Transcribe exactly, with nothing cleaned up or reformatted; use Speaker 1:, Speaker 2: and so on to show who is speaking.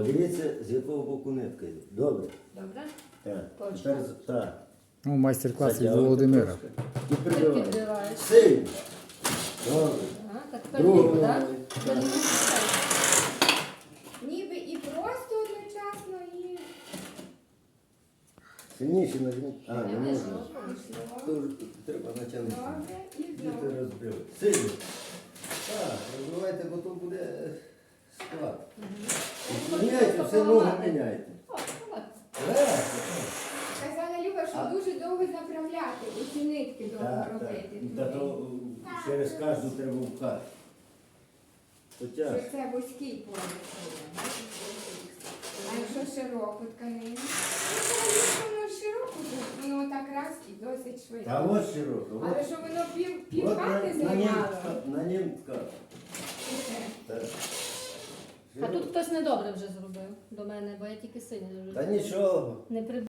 Speaker 1: Дивіться, з якого боку нитка йде. Добре.
Speaker 2: Добре?
Speaker 1: Так.
Speaker 2: Точно.
Speaker 1: Тепер з- так.
Speaker 3: Ну, майстер-клас від
Speaker 1: Затягуйте
Speaker 3: Володимира.
Speaker 1: трошки. І
Speaker 2: Ти
Speaker 1: прибиваєш.
Speaker 2: підбираєш.
Speaker 1: Сильно. Добре.
Speaker 2: Ага, так тепер
Speaker 1: Другу
Speaker 2: ліву, так?
Speaker 1: ногою.
Speaker 2: Тепер
Speaker 1: Так.
Speaker 2: ліву пускай.
Speaker 4: Ніби і просто одночасно, і
Speaker 1: Сильніше нажміть. А, не
Speaker 2: Я
Speaker 1: можна.
Speaker 2: вижу.
Speaker 4: пішло.
Speaker 1: Тут треба натягнути.
Speaker 4: Добре, і
Speaker 1: І ти
Speaker 4: знову.
Speaker 1: розбив. Сильно. Так, розбивайте, бо то буде склад. Міняйте, все ногу міняйте.
Speaker 2: О, давай.
Speaker 1: Так,
Speaker 4: Казала Люба, що
Speaker 1: А-
Speaker 4: дуже довго заправляти, оці нитки довго
Speaker 1: так,
Speaker 4: робити.
Speaker 1: так. Та то через кожну треба впхати. То
Speaker 4: Що
Speaker 1: тяжко.
Speaker 4: це вузький пояс. А якщо широку тканину? Ну, це воно широко, то воно так раз і досить швидко.
Speaker 1: Та ось широко.
Speaker 4: Але
Speaker 1: От,
Speaker 4: що воно пів,
Speaker 1: от
Speaker 4: пів
Speaker 1: на,
Speaker 4: хати
Speaker 1: на нім,
Speaker 4: займало.
Speaker 1: на нім ткати.
Speaker 4: Оце.
Speaker 1: Так.
Speaker 2: А тут хтось недобре вже зробив до мене, бо я тільки синій
Speaker 1: Та
Speaker 2: зробив.
Speaker 1: нічого.
Speaker 2: Не при